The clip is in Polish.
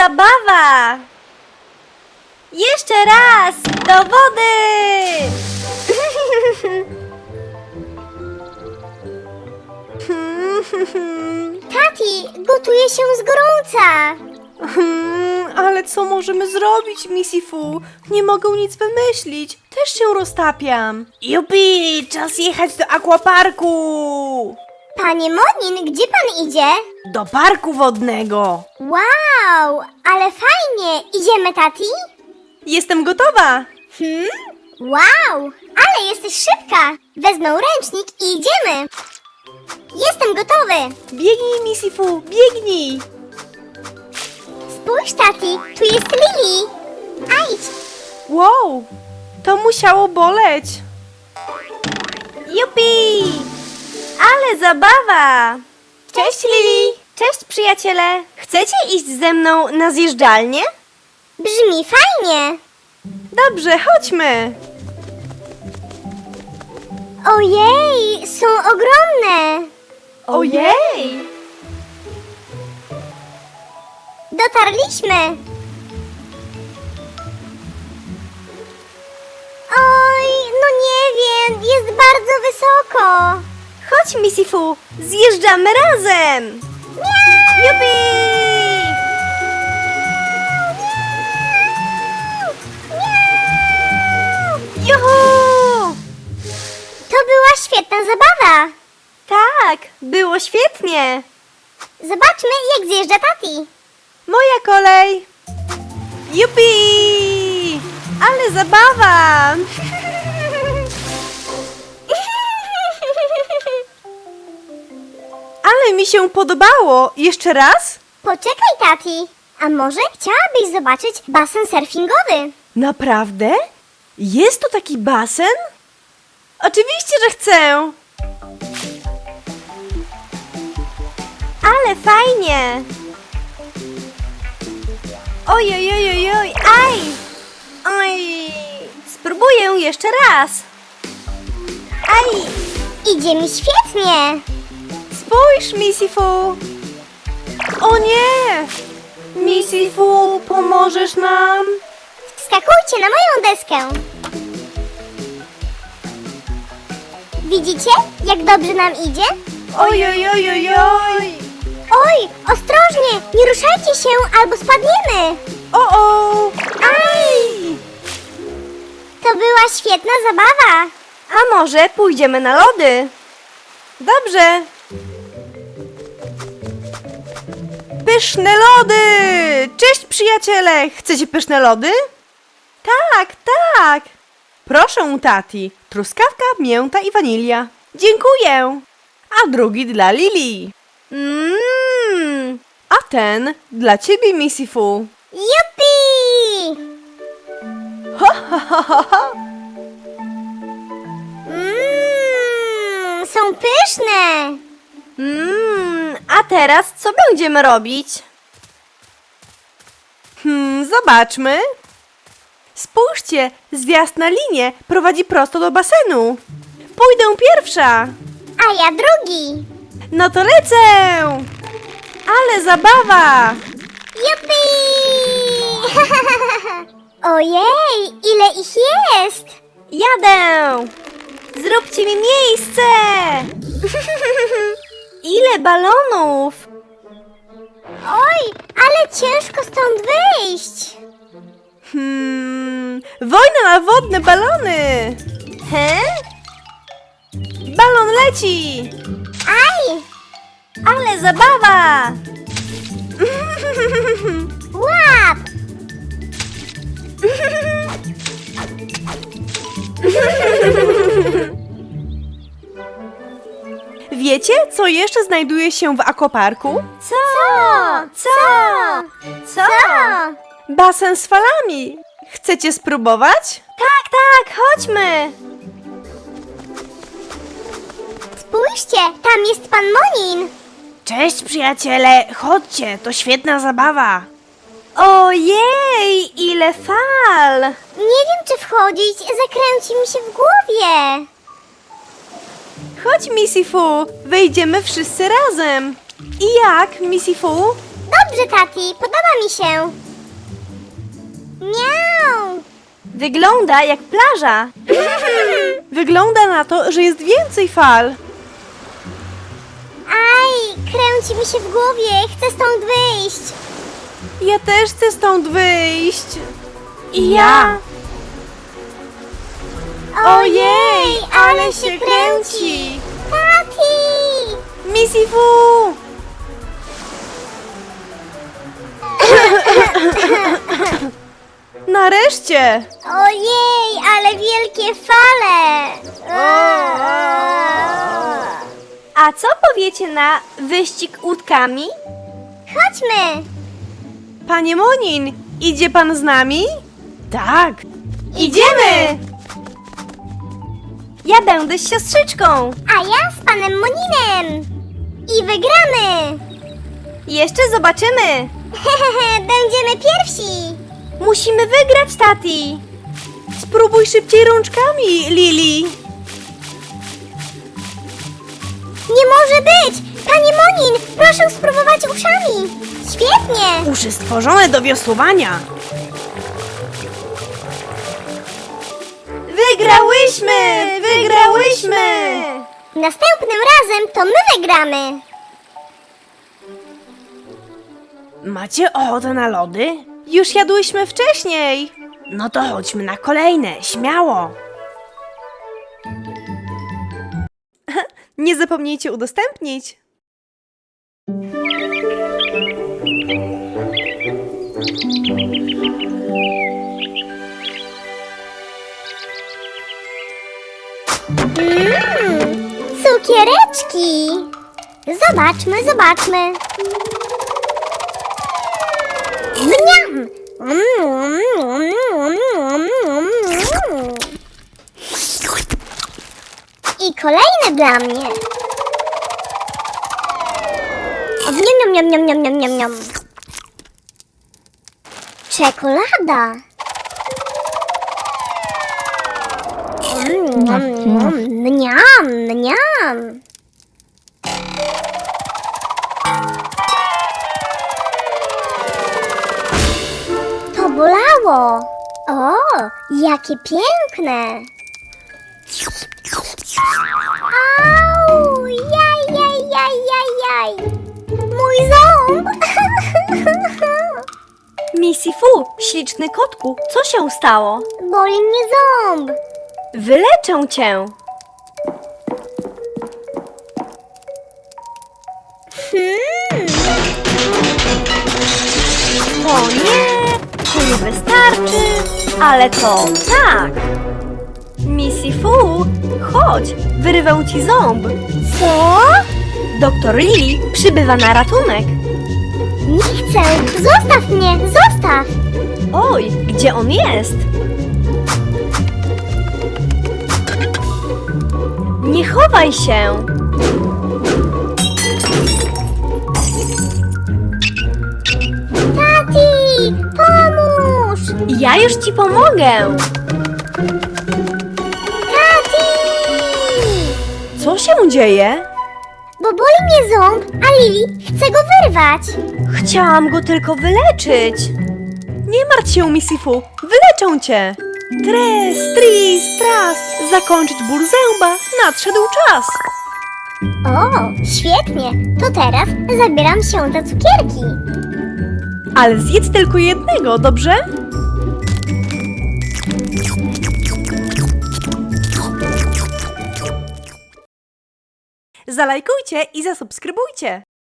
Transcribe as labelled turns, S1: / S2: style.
S1: zabawa! Jeszcze raz! Do wody!
S2: Tati, gotuje się z gorąca.
S3: Ale co możemy zrobić, Missy Fu? Nie mogę nic wymyślić. Też się roztapiam. Jupi, czas jechać do aquaparku!
S2: Panie Monin, gdzie pan idzie?
S3: Do parku wodnego.
S2: Wow, ale fajnie. Idziemy, Tati?
S3: Jestem gotowa.
S2: Wow, ale jesteś szybka. Wezmę ręcznik i idziemy. Jestem gotowy.
S3: Biegnij, Missy Fu, biegnij.
S2: Spójrz, Tati, tu jest Lili. Ajdź.
S3: Wow, to musiało boleć.
S1: Jupi! Ale zabawa! Cześć Lili! Cześć przyjaciele! Chcecie iść ze mną na zjeżdżalnię?
S2: Brzmi fajnie.
S3: Dobrze, chodźmy.
S2: Ojej, są ogromne.
S3: Ojej!
S2: Dotarliśmy. Oj, no nie wiem, jest bardzo wysoko.
S1: Chodź Missy Fu, zjeżdżamy razem! Jupi! Juhu!
S2: To była świetna zabawa.
S1: Tak, było świetnie!
S2: Zobaczmy, jak zjeżdża Tati.
S3: Moja kolej. Jupi! Ale zabawa! Ale mi się podobało. Jeszcze raz?
S2: Poczekaj, Tati. A może chciałabyś zobaczyć basen surfingowy?
S3: Naprawdę? Jest tu taki basen? Oczywiście, że chcę.
S1: Ale fajnie! Oj, oj, oj, oj, oj, aj! Oj! Spróbuję jeszcze raz! Aj!
S2: Idzie mi świetnie.
S3: Spójrz, Missy Fu. O nie! Missy Fu, pomożesz nam?
S2: Wskakujcie na moją deskę. Widzicie, jak dobrze nam idzie?
S3: Oj, oj, oj, oj, oj!
S2: Oj, ostrożnie, nie ruszajcie się albo spadniemy.
S3: O! Aj!
S2: To była świetna zabawa.
S1: A może pójdziemy na lody?
S3: Dobrze. Pyszne lody! Cześć, przyjaciele! Chcecie pyszne lody? Tak, tak! Proszę, tati. Truskawka, mięta i wanilia. Dziękuję. A drugi dla Lili. A ten dla ciebie, Missy Fu.
S2: Jupi! Są pyszne.
S1: A teraz co będziemy robić?
S3: Zobaczmy. Spójrzcie, zjazd na linię prowadzi prosto do basenu. Pójdę pierwsza.
S2: A ja drugi.
S3: No to lecę! Ale zabawa!
S2: Jupi! Ojej, ile ich jest!
S1: Jadę! Zróbcie mi miejsce! Ile balonów!
S2: Oj, ale ciężko stąd wyjść.
S3: Wojna na wodne balony!
S1: He?
S3: Balon leci!
S2: Aj!
S1: Ale zabawa!
S2: Łap!
S3: Wiecie, co jeszcze znajduje się w aquaparku?
S1: Co? Co? Co?
S3: Basen z falami. Chcecie spróbować?
S1: Tak, tak, chodźmy!
S2: Spójrzcie, tam jest pan Monin.
S3: Cześć, przyjaciele! Chodźcie, to świetna zabawa!
S1: Ojej, ile fal!
S2: Nie wiem, czy wchodzić, zakręci mi się w głowie.
S3: Chodź, Missy Fu, wejdziemy wszyscy razem. I jak, Missy Fu?
S2: Dobrze, Tati, podoba mi się. Miau.
S1: Wygląda jak plaża.
S3: Wygląda na to, że jest więcej fal.
S2: Aj, kręci mi się w głowie, chcę stąd wyjść.
S3: Ja też chcę stąd wyjść.
S1: I ja.
S3: Ojej, ale się kręci.
S2: Tati!
S3: Misifu! Nareszcie!
S2: Ojej, ale wielkie fale!
S1: A co powiecie na wyścig łódkami?
S2: Chodźmy!
S3: Panie Monin, idzie pan z nami? Tak.
S1: Idziemy! Ja będę z siostrzyczką.
S2: A ja z panem Moninem! I wygramy!
S1: Jeszcze zobaczymy.
S2: Będziemy pierwsi!
S1: Musimy wygrać, Tati.
S3: Spróbuj szybciej rączkami, Lili.
S2: Nie może być! Panie Monin, proszę spróbować uszami! Świetnie!
S3: Uszy stworzone do wiosłowania.
S1: Wygrałyśmy! Wygrałyśmy!
S2: Następnym razem to my wygramy!
S3: Macie ochotę na lody? Już jadłyśmy wcześniej. No to chodźmy na kolejne, śmiało. Nie zapomnijcie udostępnić.
S2: Cukiereczki! Zobaczmy, zobaczmy! Mniam! I kolejny dla mnie! Niam, niam, niam, niam, niam, niam, niam. Czekolada! Mniam, mniam! To bolało! O, jakie piękne! Au! Jaj, jaj, jaj, jaj, jaj! Mój ząb!
S1: Misifu, śliczny kotku, co się stało?
S2: Boli mnie ząb!
S1: Wyleczę cię. O nie, to nie wystarczy, ale to tak. Misifu, chodź, wyrwę ci ząb.
S2: Co?
S1: Doktor Lili przybywa na ratunek.
S2: Nie chcę! Zostaw mnie! Zostaw!
S1: Oj, gdzie on jest? Nie chowaj się.
S2: Tati! Pomóż!
S1: Ja już ci pomogę.
S2: Tati!
S3: Co się dzieje?
S2: Bo boli mnie ząb, a Lili chce go wyrwać.
S1: Chciałam go tylko wyleczyć.
S3: Nie martw się, Misifu, wyleczę cię. Tres, tris, tras, zakończyć ból zęba, nadszedł czas.
S2: O, świetnie! To teraz zabieram się za cukierki.
S3: Ale zjedz tylko jednego, dobrze? Zalajkujcie i zasubskrybujcie.